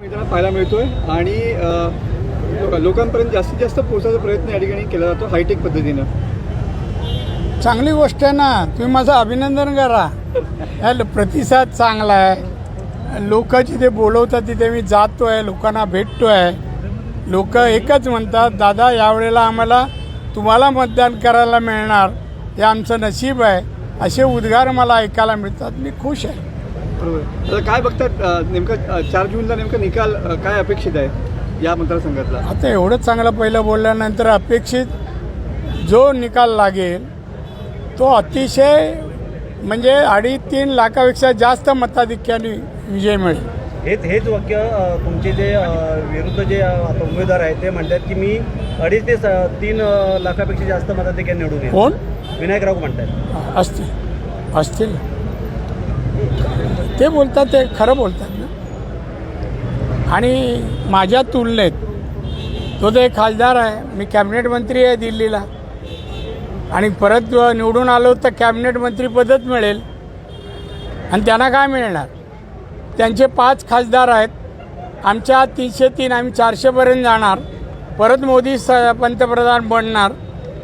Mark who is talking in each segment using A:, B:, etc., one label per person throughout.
A: मित्रांनो पाहायला मिळतोय आणि लोकांपर्यंत जास्तीत जास्त पोहोचायचा प्रयत्न या ठिकाणी केला जातो हायटेक पद्धतीनं.
B: चांगली गोष्ट आहे ना, तुम्ही माझं अभिनंदन करा. प्रतिसाद चांगला आहे. लोक जिथे बोलवतात तिथे मी जातो आहे, लोकांना भेटतो आहे. लोक एकच म्हणतात, दादा यावेळेला आम्हाला तुम्हाला मतदान करायला मिळणार, हे आमचं नशीब आहे, असे उद्गार मला ऐकायला मिळतात. मी खुश आहे.
A: बरोबर. आता काय बघतात नेमकं 4 जूनला नेमका निकाल काय अपेक्षित आहे या मतदारसंघातला?
B: आता एवढं चांगलं पहिलं बोलल्यानंतर अपेक्षित जो निकाल लागेल तो अतिशय म्हणजे 2.5-3 लाखापेक्षा जास्त मताधिक्याने विजय मिळेल.
C: हेच वाक्य तुमचे जे विरुद्ध जे आता उमेदवार आहेत ते म्हणतात की मी 2.5 ते 3 लाखापेक्षा जास्त मताधिक्याने निवडून येईल.
B: कोण?
C: विनायक राऊत म्हणतात.
B: असतील ते बोलतात, ते खरं बोलतात ना. आणि माझ्या तुलनेत तो तर एक खासदार आहे, मी कॅबिनेट मंत्री आहे दिल्लीला, आणि परत निवडून आलो तर कॅबिनेट मंत्रीपदच मिळेल. आणि त्यांना काय मिळणार? त्यांचे 5 खासदार आहेत, आमच्या 303, आम्ही 400पर्यंत जाणार, परत मोदी पंतप्रधान बनणार.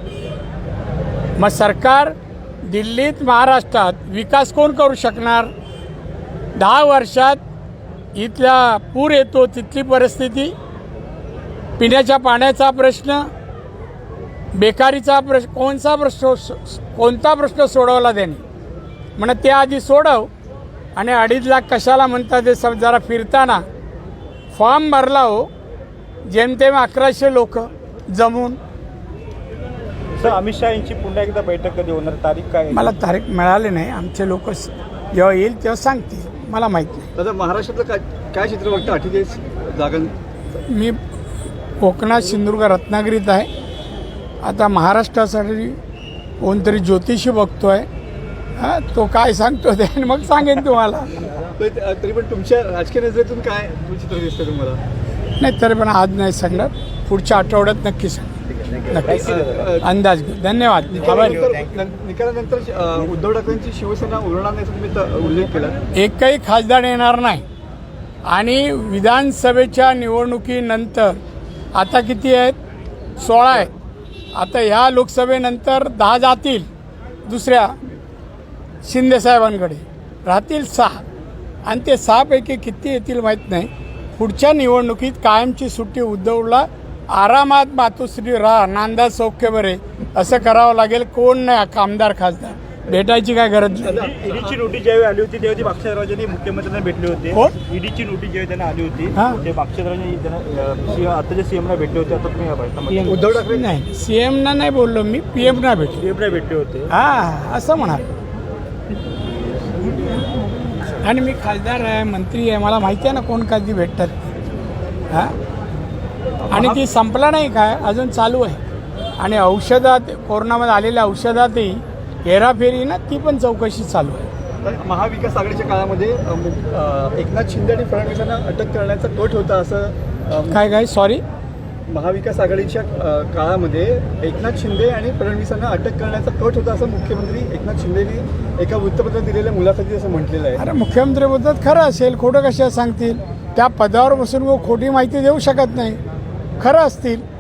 B: मग सरकार दिल्लीत महाराष्ट्रात विकास कोण करू शकणार? 10 वर्षात इथला पूर येतो, तिथली परिस्थिती, पिण्याच्या पाण्याचा प्रश्न, बेकारीचा प्रश्न, कोणता प्रश्न सोडवला त्याने? म्हणा ते आधी सोडव. आणि 2.5 लाख कशाला म्हणतात ते सब जरा फिरताना फॉर्म भरला हो, जेमतेम 1100 लोक जमून.
C: सर, अमित शहा यांची पुन्हा एकदा बैठक कधी होणार, तारीख काय?
B: मला तारीख मिळाली नाही. आमचे लोक जेव्हा येईल तेव्हा सांगतील, मला माहीत नाही.
A: आता महाराष्ट्रातलं काय चित्र बघतं 48 जागां?
B: मी कोकणात सिंधुदुर्ग रत्नागिरीत आहे. आता महाराष्ट्रासाठी कोणतरी ज्योतिषी बघतो आहे, तो काय सांगतो ते मग सांगेन तुम्हाला.
A: तरी पण तुमच्या राजकीय नजरेतून काय चित्र दिसतं तुम्हाला?
B: नाही तरी पण आज नाही सांगणार, पुढच्या आठवड्यात नक्की सांग, नक्की अंदाज घेऊ. धन्यवाद.
A: निकालानंतर उद्धव ठाकरेंची शिवसेना उरणार नाही तुम्ही उल्लेख केला.
B: एकही खासदार येणार नाही. आणि विधानसभेच्या निवडणुकीनंतर आता किती आहेत? 16 आहेत. आता ह्या लोकसभेनंतर 10 जातील दुसऱ्या शिंदेसाहेबांकडे, राहतील 6. आणि ते 6 पैकी किती येतील माहीत नाही. पुढच्या निवडणुकीत कायमची सुट्टी उद्धवला, आरामात मातोश्री राहा, नांदा सौख्य बरे, असं करावं लागेल. कोण नाही आमदार खासदार, भेटायची काय गरज नाही.
C: ईडीची नोटीस ज्यावेळी आली होती त्यावेळी बाक्षराजांनी मुख्यमंत्र्यांना भेटले होते.
B: कोण?
C: ईडीची नोटीस ज्यावेळी त्यांना आली होती
B: हां,
C: ते बाक्षराजांनी त्यांना आताच्या सीएमला भेटले होते. आता तुम्ही
A: उद्धव ठाकरे
B: नाही, सीएमना नाही बोललो मी, पीएमना भेटलो.
C: सीएमला भेटले होते.
B: हां, असं म्हणा. आणि मी खासदार आहे, मंत्री आहे, मला माहिती आहे ना कोण कधी भेटतात. हां, आणि ती संपला नाही काय, अजून चालू आहे. आणि औषधात, कोरोनामध्ये आलेल्या औषधातही हेराफेरी ना, ती पण चौकशी चालू आहे.
A: महाविकास आघाडीच्या काळामध्ये एकनाथ शिंदे आणि फडणवीसांना अटक करण्याचा कट होता असं
B: काय सॉरी,
A: महाविकास आघाडीच्या काळामध्ये एकनाथ शिंदे आणि फडणवीसांना अटक करण्याचा कट होता असं मुख्यमंत्री एकनाथ शिंदेने एका वृत्तपत्रात दिलेल्या मुलाखतीत असं म्हटलेलं आहे.
B: अरे मुख्यमंत्री बोलतात खरं असेल, खोटं कशा सांगतील? त्या पदावर बसून खोटी माहिती देऊ शकत नाही. खरं असतील